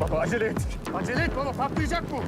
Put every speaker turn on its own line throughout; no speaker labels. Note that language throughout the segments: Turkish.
baba, acele et. Acele et baba, patlayacak bu.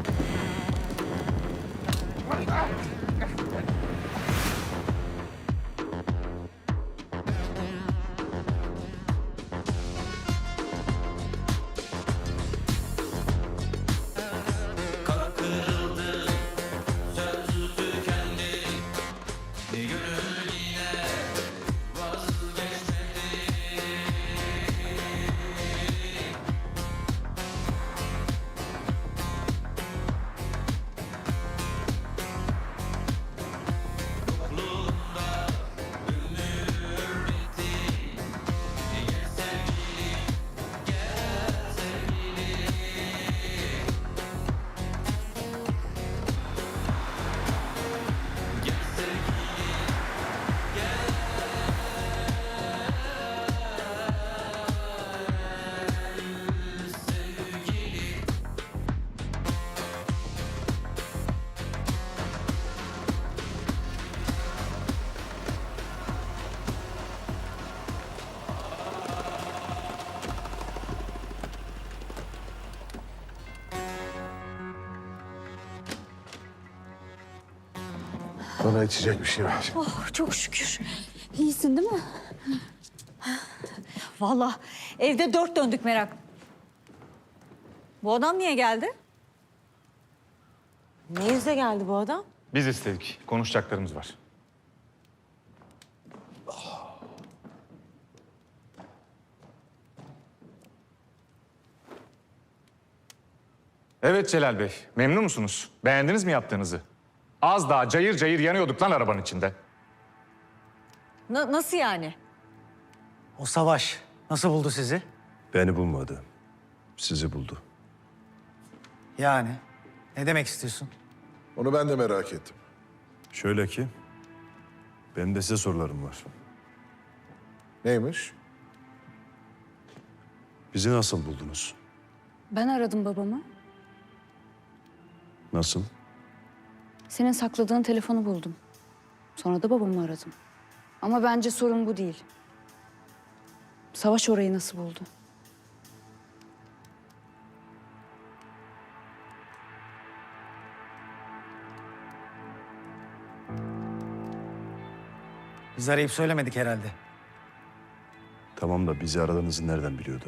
Bana içecek bir şey ver.
Oh, çok şükür. İyisin değil mi? Vallahi evde dört döndük merak. Bu adam niye geldi?
Ne yüzle geldi bu adam?
Biz istedik, konuşacaklarımız var. Evet Celal Bey, memnun musunuz? Beğendiniz mi yaptığınızı? Az daha cayır cayır yanıyorduk lan arabanın içinde.
Nasıl yani?
O Savaş nasıl buldu sizi?
Beni bulmadı. Sizi buldu.
Yani ne demek istiyorsun?
Onu ben de merak ettim.
Şöyle ki, benim de size sorularım var.
Neymiş?
Bizi nasıl buldunuz?
Ben aradım babamı.
Nasıl?
Senin sakladığın telefonu buldum. Sonra da babamı aradım. Ama bence sorun bu değil. Savaş orayı nasıl buldu?
Biz arayıp söylemedik herhalde.
Tamam da bizi aradığınızı nereden biliyordu?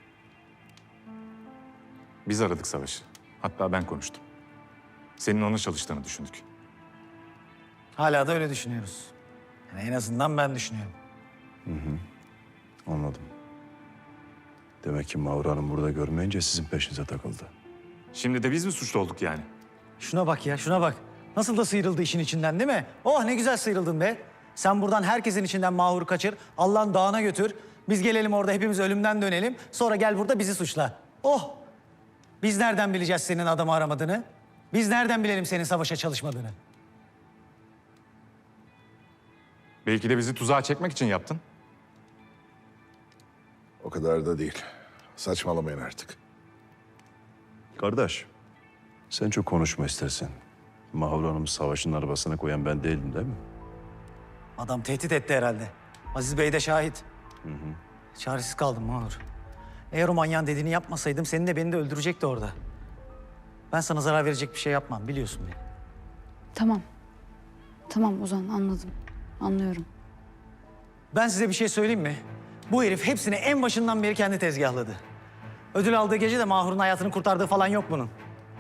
Biz aradık Savaş'ı. Hatta ben konuştum. Senin ona çalıştığını düşündük.
Hala da öyle düşünüyoruz. Yani en azından ben düşünüyorum.
Anladım. Demek ki Mahur Hanım burada görmeyince sizin peşinize takıldı.
Şimdi de biz mi suçlu olduk yani?
Şuna bak ya, şuna bak. Nasıl da sıyrıldı işin içinden değil mi? Oh ne güzel sıyrıldın be. Sen buradan herkesin içinden Mahur'u kaçır, Allah'ın dağına götür. Biz gelelim orada hepimiz ölümden dönelim. Sonra gel burada bizi suçla. Oh! Biz nereden bileceğiz senin adamı aramadığını? Biz nereden bilelim senin Savaş'a çalışmadığını?
Belki de bizi tuzağa çekmek için yaptın.
O kadar da değil. Saçmalamayın artık.
Kardeş, sen çok konuşma istersen. Mahur Hanım'ı Savaş'ın arabasına koyan ben değildim değil mi?
Adam tehdit etti herhalde. Aziz Bey de şahit. Çaresiz kaldım Mahur. Eğer o manyağın dediğini yapmasaydım seni de beni de öldürecekti orada. Ben sana zarar verecek bir şey yapmam biliyorsun beni.
Tamam. Tamam Ozan anladım. Anlıyorum.
Ben size bir şey söyleyeyim mi? Bu herif hepsini en başından beri kendi tezgahladı. Ödül aldığı gece de Mahur'un hayatını kurtardığı falan yok bunun.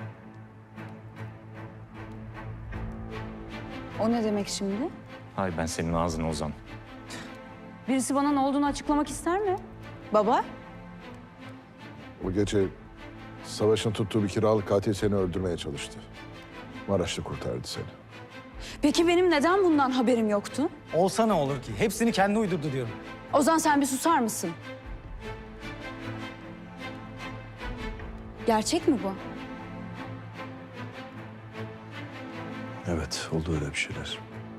O ne demek şimdi?
Hay ben senin ağzını Ozan.
Birisi bana ne olduğunu açıklamak ister mi? Baba?
O gece Savaş'ın tuttuğu bir kiralık katil seni öldürmeye çalıştı. Maraşlı kurtardı seni.
Peki benim neden bundan haberim yoktu?
Olsa ne olur ki? Hepsini kendi uydurdu diyorum.
Ozan sen bir susar mısın? Gerçek mi bu?
Evet, oldu öyle bir şeyler.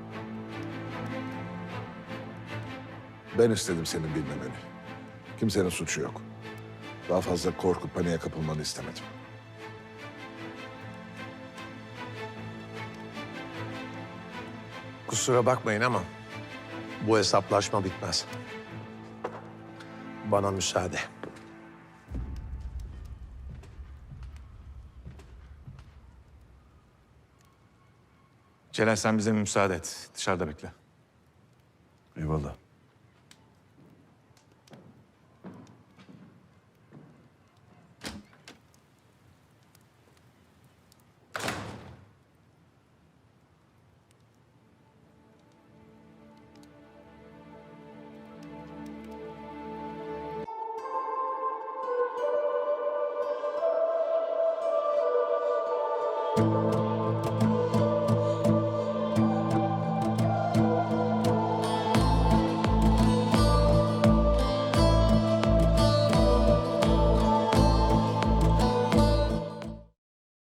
Ben istedim senin bilmemeni. Kimsenin suçu yok. Daha fazla korku, paniğe kapılmanı istemedim.
Kusura bakmayın ama bu hesaplaşma bitmez. Bana müsaade.
Celal sen bize müsaade et. Dışarıda bekle.
Eyvallah.